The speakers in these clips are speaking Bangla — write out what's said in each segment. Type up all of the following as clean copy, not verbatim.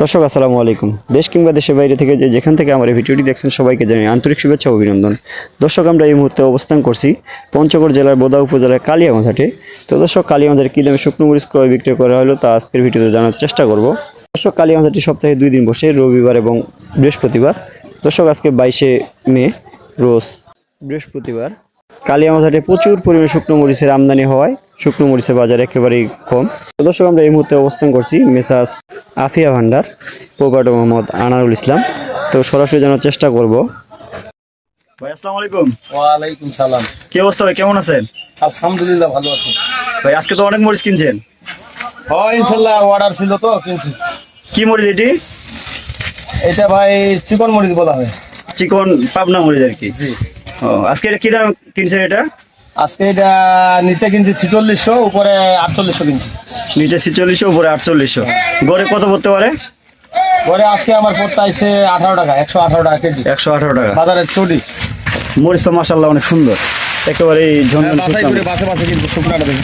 দর্শক আসসালামু আলাইকুম। দেশ কিংবা দেশের বাইরে থেকে যেখান থেকে আমার এই ভিডিওটি দেখছেন সবাইকে জানাই আন্তরিক শুভেচ্ছা ও অভিনন্দন। দর্শক আমরা এই মুহূর্তে অবস্থান করছি পঞ্চগড় জেলার বোদা উপজেলার কালিয়াগঞ্জ হাটে। তো দর্শক কালিয়াগঞ্জ হাটে কী দামে শুকনো মরিচ ক্রয় বিক্রয় করা হলো তা আজকের ভিডিওতে জানার চেষ্টা করব। দর্শক কালিয়াগঞ্জ হাটটি সপ্তাহে 2 দিন বসে, রবিবার এবং বৃহস্পতিবার। দর্শক আজকে 22শে মে রোজ বৃহস্পতিবার। কালিয়াগঞ্জ হাটে প্রচুর পরিমাণে শুকনো মরিচের আমদানি হওয়ায় শুকনো মরিচের বাজার একেবারেই কম। তো দর্শক আমরা এই মুহূর্তে অবস্থান করছি মেসাস আফিয়া ভান্ডার, প্রোপাইটার মোহাম্মদ আনারুল ইসলাম। তো সরাসরি জানার চেষ্টা করব। ভাই আসসালামু আলাইকুম। ওয়ালাইকুম সালাম। কি অবস্থা ভাই, কেমন আছেন? আলহামদুলিল্লাহ ভালো আছি ভাই। আজকে তো অনেক মরিচ কিনছেন। হ্যাঁ ইনশাল্লাহ অর্ডার ছিল তো কিনছি। কি মরিচ এটি? এটা ভাই চিকন মরিচ বলা হয়। চিকন পাবনা মরিচ আর কি। জি। ও আজকে এটা কি দাম কিনছেন? এটা আজকে এটা নিচে কিনছি 4600, উপরে 4800 কিনছি। নিচে 4600, উপরে 4800। গড়ে কত পড়তে পারে? পরে আজকে আমার পড়তে আইছে 18 টাকা, 118 টাকা কেজি। 118 টাকা বাজারের চটি মরিচ তো মাশাআল্লাহ অনেক সুন্দর, একেবারে ঝনঝন বাছাই করে বাসে বাসে কিন্তু শুকনাটা দেখি।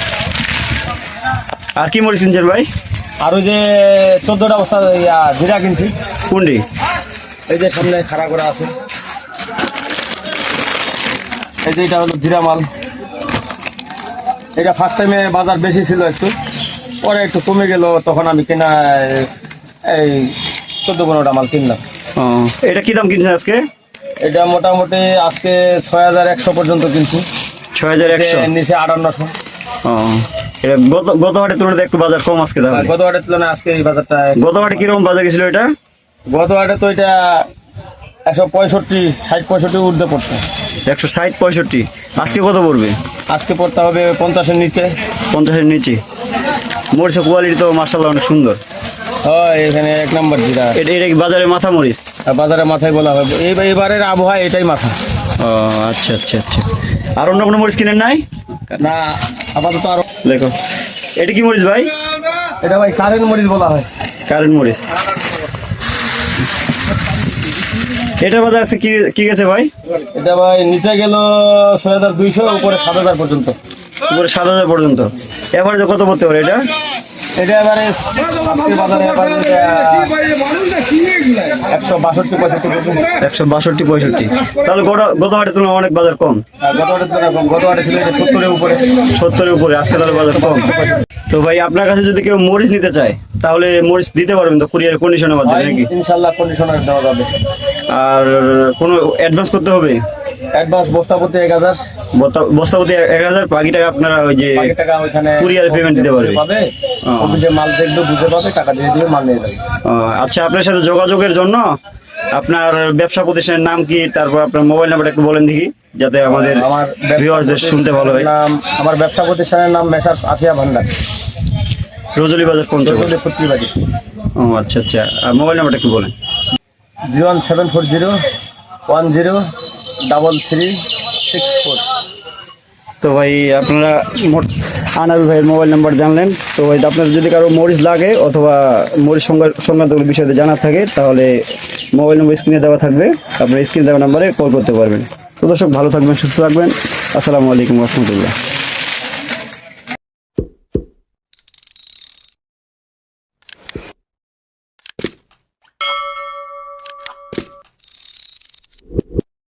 আর কি মরিচ কিনছেন ভাই? আর ওই যে 14টা বস্তা জিরা কিনছি। কোনটি? এই যে সামনে খাড়া করে আছে, এই যে এটা হলো জিরা মাল। এটা ফার্স্ট টাইমে বাজার বেশি ছিল একটু, পরে একটু কমে গেল, তখন আমি কেনা এই 14-15টা মাল কিনলাম। এটা কি দাম কিনছেন আজকে? এটা মোটামুটি আজকে 6100 পর্যন্ত কিনছি। 6100, নিচে 5800। এটা গত হাটের তুলনায় একটু বাজার কম আজকে তাহলে। গত হাটের তুলনায় আজকে এই বাজারটা। গত হাটে কিরকম বাজার গেছিল এটা? গত হাটে তো এটা 165, 60-65 ঊর্ধ্বে পড়ছে। 160-65। আজকে কত পড়বে? আজকে পড়তে হবে 50-এর নিচে। 50-এর নিচে। মরিচের কোয়ালিটি তো মাশাআল্লাহ অনেক সুন্দর। হয় এখানে 1 নম্বর জিরা। এটা কি বাজারে মাথা মরিচ? বাজারে মাথায় বলা হয়, এবারের আবহাওয়া এটাই মাথা। ও আচ্ছা আচ্ছা আচ্ছা। আর অন্য কোনো মরিচ কিনেন নাই? না আপাতত আরো। দেখো এটা কি মরিচ ভাই? এটা ভাই কারেন্ট মরিচ বলা হয়। কারেন্ট মরিচ। এটা বাজার আছে কি গেছে ভাই? এটা ভাই নিচে গেল 6200, উপরে 7000 পর্যন্ত। উপরে 7000 পর্যন্ত। এভারেজে কত পড়তে পারে এটা? এটা এবারে আজকে বাজারে এবারে 162-65। তাহলে গত হাটের তুলনায় অনেক বাজার কম। গত হাটে ছিল 70-এর উপরে। 70-এর উপরে, আজকে তাহলে বাজার কম। তো ভাই আপনার কাছে যদি কেউ মরিচ নিতে চায় তাহলে মরিচ দিতে পারবেন তো কুরিয়ার কন্ডিশনের মাধ্যমে নাকি? ইনশাআল্লাহ কন্ডিশনার দেওয়া যাবে। আর কোনো অ্যাডভান্স করতে হবে? অ্যাডভান্স বস্তাপতি 1000। বস্তাপতি 1000, বাকি টাকা আপনারা ওই যে কুরিয়ার পেমেন্ট দিতে পারবে। অফিসে মাল দেখবে, বুঝে পাবে, টাকা দিয়ে দিয়ে মাল নিয়ে যাবে। আচ্ছা, আপনার সাথে যোগাযোগের জন্য আপনার ব্যবসা প্রতিষ্ঠানের নাম কি, তারপর আপনার মোবাইল নাম্বারটা একটু বলেন দেখি, যাতে আমাদের ভিউয়ারদের শুনতে ভালো হয়। আমার ব্যবসা প্রতিষ্ঠানের নাম মেসার্স আফিয়া ভান্ডার, রজলি বাজার পঞ্চগড়। ও আচ্ছা আচ্ছা। আর মোবাইল নাম্বারটা একটু বলেন। 01740103364। তো ভাই আপনারা আনারুল ভাইয়ের মোবাইল নাম্বার জানলেন। তো ভাই আপনার যদি কারো মরিচ লাগে অথবা মরিচ সংক্রান্ত বিষয়ে জানার থাকে তাহলে মোবাইল নম্বর স্ক্রিনে দেওয়া থাকবে, আপনার স্ক্রিনে দেওয়া নাম্বারে কল করতে পারবেন। তো দর্শক ভালো থাকবেন, সুস্থ থাকবেন। আসসালামু আলাইকুম রহমতুল্লাহ।